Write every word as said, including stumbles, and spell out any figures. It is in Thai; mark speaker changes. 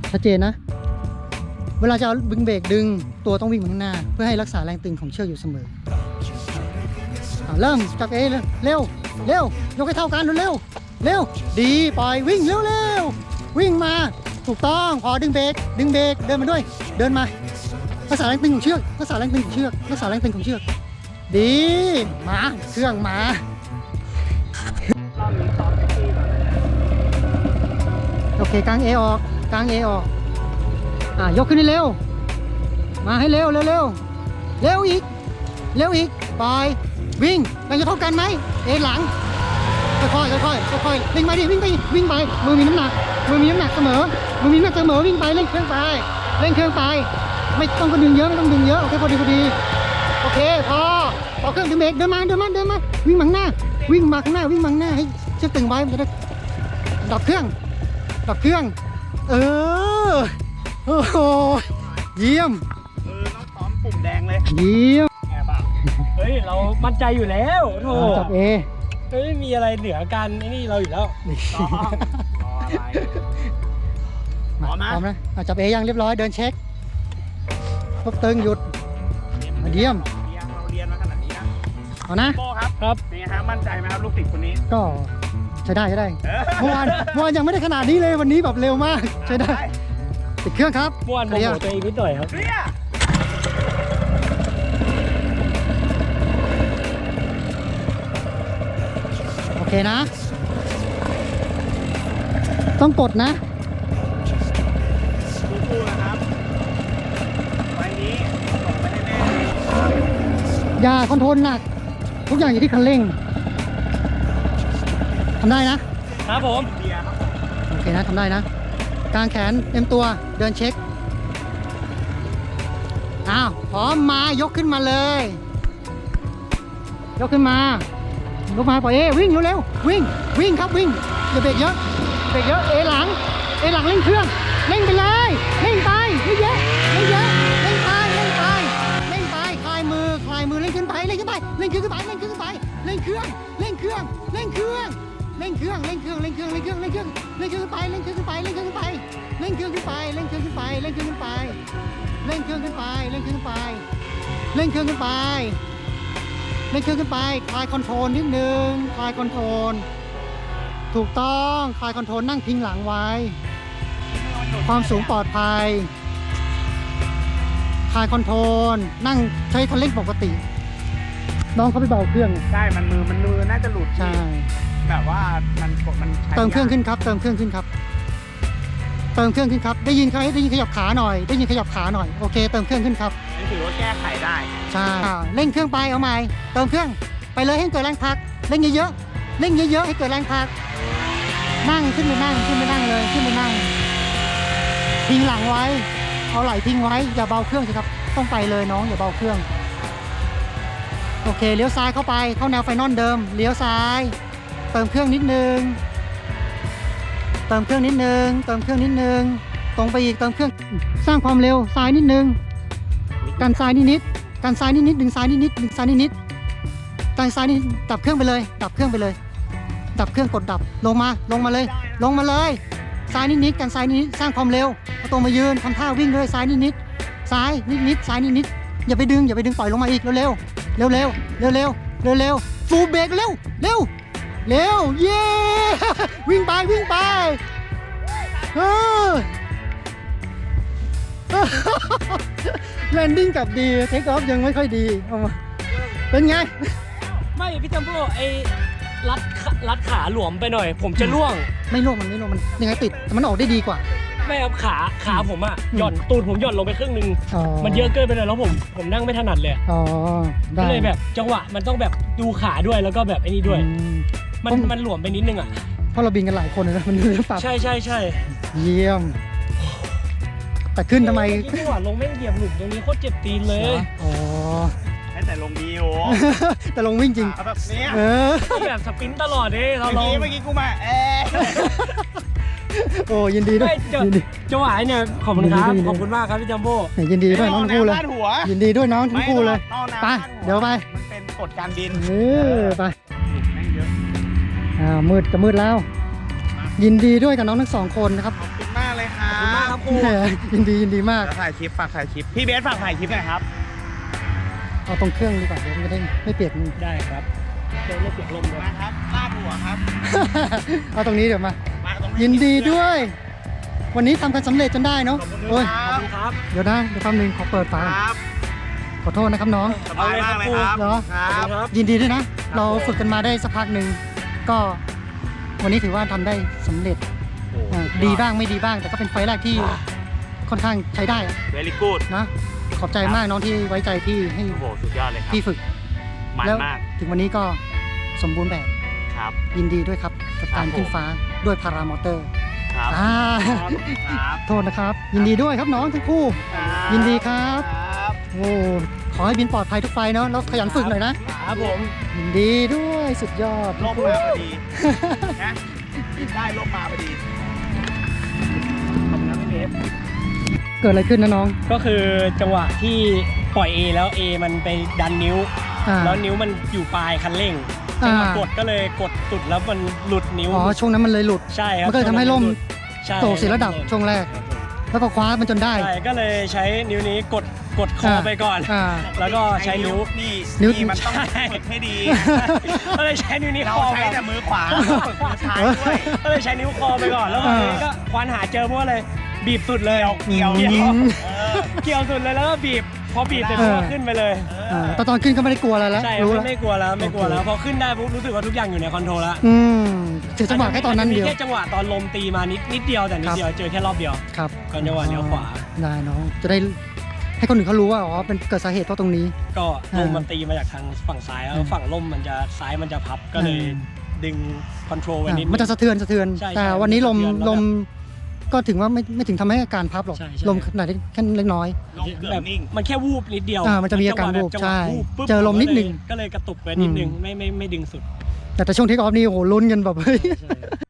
Speaker 1: ชัดเจนนะเวลาจะเอาดึงเบรกดึงตัวต้องวิ่งมาข้างหน้าเพื่อให้รักษาแรงตึงของเชือกอยู่เสมอเริ่มจับเอเลยเร็วเร็วยกให้เท่ากันเร็วเร็วดีปล่อยวิ่งเร็วเร็ววิ่งมาถูกต้องพอดึงเบรกดึงเบรกเดินมาด้วยเดินมารักษาแรงตึงของเชือกรักษาแรงตึงของเชือกรักษาแรงตึงของเชือกดีมาเครื่องมาโอเคกางเอออกกางเอออกอ่ายกขึ้นให้เร็วมาให้เร็วเร็วเร็วเร็วอีกเร็วอีกปล่อยวิ่งมันจะเท่ากันไหมเอหลังค่อยๆค่อยๆค่อยๆวิ่งไปดิวิ่งไปวิ่งไปมือมีน้ำหนักมือมีน้ำหนักเสมอมือมีน้ำหนักเสมอวิ่งไปเร่งเครื่องไปเร่งเครื่องไปไม่ต้องกระดึงเยอะไม่ต้องดึงเยอะโอเคพอดีพอดีโอเคพอพอเครื่องดึงเบรกเดินมาเดินมาเดินมาวิ่งมาข้างหน้าวิ่งมาข้างหน้าวิ่งมาข้างหน้าให้เชือกตึงไว้มันจะได้ดับเครื่องดับเครื่องเออโอ้โหเยี่ยม
Speaker 2: เออน้องพร้อมปุ่มแดงเลย
Speaker 1: เยี่ยม
Speaker 2: แอบอ่ะ
Speaker 3: เฮ้ยเรามั่นใจอยู่แล้วโธ่
Speaker 1: จับเอ
Speaker 3: เฮ้ยมีอะไรเหนือกันไอ้นี่เราอยู่แล้ว
Speaker 2: รอรออะไรพร้อมนะ
Speaker 1: พร้อมนะจับเอยังเรียบร้อยเดินเช็คพบตึงหยุดเยี่ยม
Speaker 2: เราเรียนมาขนาดนี้นะ
Speaker 1: เอานะ
Speaker 2: โป้ครับ
Speaker 3: ครับ
Speaker 2: เป็นไงครับมั่นใจไหมครับลูกศิษย์คนนี้
Speaker 1: ก็ใช้ได้ใช้ได้เมื่อวานเมื่อวานยังไม่ได้ขนาดนี้เลยวันนี้แบบเร็วมากใช้ได้ติดเครื่องครับ
Speaker 3: เมื่อวานโมโหตัวเองนิดหน่อยครับ
Speaker 1: โอเคนะต้องกดนะ
Speaker 2: สู้ๆนะครับไฟนี้ส่งไปให้แม่
Speaker 1: อย่าคอนโทรลหนักทุกอย่างอยู่ที่คันเร่งทำได้นะครับ
Speaker 3: ผม
Speaker 1: โอเคนะทำได้นะกางแขนเต็มตัวเดินเช็คอ้าวพร้อมมายกขึ้นมาเลยยกขึ้นมายกมาปล่อยเอวิ่งเร็วๆวิ่งวิ่งครับวิ่งอย่าเบรกเยอะเบรกเยอะเอหลังเอหลังเร่งเครื่องเร่งไปเลยเร่งไปไม่เยอะไม่เยอะเร่งไปเร่งไปเร่งไปคลายมือคลายมือเร่งขึ้นไปเร่งขึ้นไปเร่งขึ้นไปเร่งขึ้นไปเร่งเครื่องเร่งเครื่องเร่งเครื่องเร่งเครื่องเร่งเครื่องเร่งเครื่องเร่งเครื่องเร่งเครื่องเร่งเครื่องขึ้นไปเร่งเครื่องขึ้นไปเร่งเครื่องขึ้นไปเร่งเครื่องขึ้นไปเร่งเครื่องขึ้นไปเร่งเครื่องขึ้นไปเร่งเครื่องขึ้นไปเร่งเครื่องขึ้นไปเร่งเครื่องขึ้นไปเร่งเครื่องขึ้นไปคลายคอนโทรลนิดนึงคลายคอนโทรลถูกต้องคลายคอนโทรลนั่งพิงหลังไว้ความสูงปลอดภัยคลายคอนโทรลนั่งใช้คันเร่งปกติน้องเขาไปเบาเครื่อง
Speaker 2: ใช่มันมือมันมือน่าจะหลุด
Speaker 1: ใช่
Speaker 2: แบบว่ามันมัน
Speaker 1: เติมเครื่องขึ้นครับเติมเครื่องขึ้นครับเติมเครื่องขึ้นครับได้ยินเขาได้ยินขยับขาหน่อยได้ยินขยับขาหน่อยโอเคเติมเครื่องขึ้นครับ
Speaker 2: นี่ถือว่าแก้ไขได้
Speaker 1: ใช่เร่งเครื่องไปเอาใหม่เติมเครื่องไปเลยให้เกิดแรงพักเร่งเยอะๆเร่งเยอะๆให้เกิดแรงพักนั่งขึ้นไปนั่งขึ้นไปนั่งเลยขึ้นไปนั่งพิงหลังไว้เอาไหล่พิงไว้อย่าเบาเครื่องสิครับต้องไปเลยน้องอย่าเบาเครื่องโอเคเลี้ยวซ้ายเข้าไปเข้าแนวไฟนอลเดิมเลี้ยวซ้ายเติมเครื่องนิดนึงเติมเครื่องนิดนึงเติมเครื่องนิดนึงตรงไปอีกเติมเครื่องสร้างความเร็วซ้ายนิดนึงกันซ้ายนิดนิดกันซ้ายนิดนิดดึงซ้ายนิดนิดดึงซ้ายนิดนิดกันซ้ายนิดดับเครื่องไปเลยดับเครื่องไปเลยดับเครื่องกดดับลงมาลงมาเลยลงมาเลยซ้ายนิดนิดกันซ้ายนิดนิดสร้างความเร็วเอาตัวมายืนทำท่าวิ่งเลยซ้ายนิดนิดซ้ายนิดนิดซ้ายนิดนิดอย่าไปดึงอย่าไปดึงปล่อยลงมาอีกเร็วเร็วเร็วเร็วเร็วเร็วเร็วเร็วฟูลเบรกเร็วเร็วเร็วเย้วิ่งไปวิ่งไปเออแลนดิ้งกลับดีเทคออฟยังไม่ค่อยดีเอามาเป็นไง
Speaker 3: ไม่พี่จัมโบ้ไอ้รัดรัดขาหลวมไปหน่อยผมจะล่วง
Speaker 1: ไม่ล่วงมันไม่ล่วงมันยังไงติดแต่มันออกได้ดีกว่า
Speaker 3: ไม่ครับขาขาผมอ่ะหย่อนตูดผมหย่อนลงไปครึ่งนึงมันเยอะเกินไปเลยแล้วผมผมนั่งไม่ถนัดเลย
Speaker 1: อ๋อ
Speaker 3: ก็เลยแบบจังหวะมันต้องแบบดูขาด้วยแล้วก็แบบไอ้นี่ด้วยมันมันหลวมไปนิดนึงอ่ะ
Speaker 1: เพราะเราบินกันหลายคนนะมันเรื่องปรับ
Speaker 3: ใช่ใช่ใช่
Speaker 1: เยี่ยมแต่ขึ้นทำไม
Speaker 3: จังหวะลงแม่งเหยียบหลุมตรงนี้โคตรเจ็บตีนเลย
Speaker 1: อ๋อ
Speaker 2: แต่ลงดีโอ้
Speaker 1: แต่ลงวิ่งจริง
Speaker 2: แบบนี้
Speaker 1: เออ
Speaker 3: แบบสปรินต์ตลอดเลยเราลง
Speaker 2: เมื่อกี้กูมาเออ
Speaker 1: โอ้ยินดีด้วย
Speaker 3: จังหวะเนี่ยขอบคุณครับขอบคุณมากครับพี่จัมโบ้
Speaker 1: ยินดีด้วยน้องทั้งคู่เลยยินดีด้วยน้องทั้งคู่เลยไปเดี๋ยวไป
Speaker 2: มันเป็นกฎการบิน
Speaker 1: เออไปอ่ามืดจะมืดแล้วยินดีด้วยกับน้องทั้งสองคนนะครับ
Speaker 2: ขอบคุณมากเลยครั
Speaker 3: ขอบคุณมากครับ
Speaker 2: บ
Speaker 3: ครู
Speaker 1: แหมยินดียินดีมาก
Speaker 2: แล้วถ่ายคลิปฝากถ่ายคลิปพี่เบสฝากถ่ายคลิปหน่อยครับ
Speaker 1: เอาตรงเครื่องดีกว่าเดี๋ยวมันจะได้ไม่เปียก
Speaker 3: ได้ครับเดี๋ยวไม่เปียกลมเลย
Speaker 2: มาครับลาดหัวครับ
Speaker 1: เอาตรงนี้เดี๋ยวมา
Speaker 2: มาตรงนี้
Speaker 1: ยินดีด้วย วันนี้ทำกันสำเร็จจนได้เนาะ
Speaker 2: ขอบคุณ
Speaker 1: โอ้ย
Speaker 2: ค
Speaker 3: ขอบ
Speaker 2: รับ
Speaker 3: คุณครับ
Speaker 1: เดี๋ยวนะเดี๋ยวแป๊บนึงขอเปิดฝา
Speaker 2: ครับ
Speaker 1: ขอโทษนะครับน้อง
Speaker 2: สบายมากเลยครับ
Speaker 1: เหรอ
Speaker 2: ค
Speaker 3: ขอบ
Speaker 2: รับ
Speaker 3: คุณครับ
Speaker 1: ยินดีด้วยนะ เราฝึกกันมาได้สักพักหนึ่งก็วันนี้ถือว่าทำได้สำเร็จอ่าดีบ้างไม่ดีบ้าง แต่ก็เป็นไฟล์แรกที่ค่อนข้างใช้ได้อะ
Speaker 2: เวลี่กูด
Speaker 1: นะขอบใจมากน้องที่ไว้ใจพี่ให้
Speaker 2: โอ้โหสุดยอดเลยครับ
Speaker 1: พี่ฝึก
Speaker 2: มัน
Speaker 1: แล้ว
Speaker 2: มาก
Speaker 1: ถึงวันนี้ก็สมบูรณ์แบบ
Speaker 2: ครับ
Speaker 1: ยินดีด้วยครับกับการ
Speaker 2: ครับผม
Speaker 1: ขึ้นฟ้าด้วยพารามอเตอร์
Speaker 2: ครับ
Speaker 1: อ่า
Speaker 2: ครับ
Speaker 1: โทษนะครับ ยินดีด้วยครับน้องทั้งคู่ ยินดีครับ
Speaker 2: ครับ
Speaker 1: โอ้ขอให้บินปลอดภัยทุกไฟล์เนาะแล้วขยันฝึกหน่อยนะ
Speaker 3: ครับผม
Speaker 1: ยินดีด้วยสุดยอด
Speaker 2: ลมมาพอดีนะได้ลมมาพอดี
Speaker 3: ขอบคุณครับพี่เบส
Speaker 1: เกิดอะไรขึ้นนะน้อง
Speaker 3: ก็คือจังหวะที่ปล่อย A แล้ว A มันไปดันนิ้ว
Speaker 1: อ่า
Speaker 3: แล้วนิ้วมันอยู่ปลายคันเร่ง
Speaker 1: อ่า
Speaker 3: จังหวะกดก็เลยกดสุดแล้วมันหลุดนิ้ว
Speaker 1: อ๋อช่วงนั้นมันเลยหลุด
Speaker 3: ใช่ครับ
Speaker 1: มันก็เลยทำให้ล่ม
Speaker 3: ใช่
Speaker 1: โตเสียระดับช่วงแรก แล้วก็คว้ามันจนได้
Speaker 3: ใช่ก็เลยใช้นิ้วนี้กดกดคอไปก่อน
Speaker 1: อ่า
Speaker 3: แล้วก็ใช้นิ้ว
Speaker 2: นี่
Speaker 1: นิ้ว
Speaker 2: นี่มันต้อง
Speaker 3: ใช่
Speaker 2: ฝึกให้ดี
Speaker 3: ก็เลยใช้นิ้วนี้
Speaker 2: เรา
Speaker 3: คอ
Speaker 2: ใช้
Speaker 3: ก่อน
Speaker 2: แต่มือขวาฝึกมือซ้ายด้วย
Speaker 3: ก็เลยใช้นิ้วคอไปก่อนแล้ววันนี้ก็ควานหาเจอพวกเลยบีบสุดเลย
Speaker 2: เกี่ยว
Speaker 3: เกี่ยว
Speaker 2: เออ
Speaker 3: เกี่ยวสุดเลยแล้วก็บีบพอบีบเสร็จ
Speaker 1: เออ
Speaker 3: ก็ขึ้นไปเลย
Speaker 1: อ่าแต่ตอนขึ้นก็ไม่ได้กลัวอะไรแล้ว
Speaker 3: ใช่
Speaker 1: รู้
Speaker 3: ไม่
Speaker 1: แล้ว
Speaker 3: ไม่กลัวแล้วไม่กลัวแล้ว
Speaker 1: โอเค
Speaker 3: พอขึ้นได้ปุ๊บรู้สึกว่าทุกอย่างอยู่ในคอนโทรลแล้ว
Speaker 1: อืมถือจังหวะแค่ตอนนั้นเดียว
Speaker 3: มีแค่จังหวะตอนลมตีมานิดนิดเดียวแต่นิดเดียวเจอแค่รอบเดียว
Speaker 1: ครับ
Speaker 3: ก่อนจังหวะเลี้ยวขวา
Speaker 1: ได้น้องจะได้ให้คนอื่นเขารู้ว่าอ๋อเป็นเกิดสาเหตุเพราะตรงนี้
Speaker 3: ก็ลม
Speaker 1: อ่ามั
Speaker 3: มันตีมาจากทางฝั่งซ้ายแล้ว
Speaker 1: อืม
Speaker 3: ฝั่งลมมันจะซ้ายมันจะพับก็เลย
Speaker 1: อืม
Speaker 3: ดึงคอนโทรลไว้
Speaker 1: อ่ะ
Speaker 3: นิด
Speaker 1: มันจะสะเทือนสะเทือน
Speaker 3: ใช่
Speaker 1: แต่
Speaker 3: ใช่
Speaker 1: วันนี้ลม
Speaker 3: สะเทือนแล้ว
Speaker 1: ลมก็ถึงว่าไม่ไม่ถึงทำให้อาการพับหรอก
Speaker 3: ใช่ใช่
Speaker 1: ลมขนาดเล็กแค่เล็กน้อย
Speaker 2: ลงเกือบ
Speaker 3: แบบ
Speaker 2: นิ่ง
Speaker 3: มันแค่วูบนิดเดียว
Speaker 1: อ่ามันจะมีอาการ
Speaker 3: จังห
Speaker 1: วูบ
Speaker 3: แบบ
Speaker 1: ใช่
Speaker 3: จังหวะวูบปุ๊บ
Speaker 1: เจอลมนิดนึง
Speaker 3: ก็เลยกระตุกไปนิดนึง
Speaker 1: อืม
Speaker 3: ไม่ไม่ไม่ดึงสุด
Speaker 1: แต่แต่ช่วงเทคออฟนี่โอ้โหลุ้นกันแบบเฮ้ย
Speaker 3: ใช่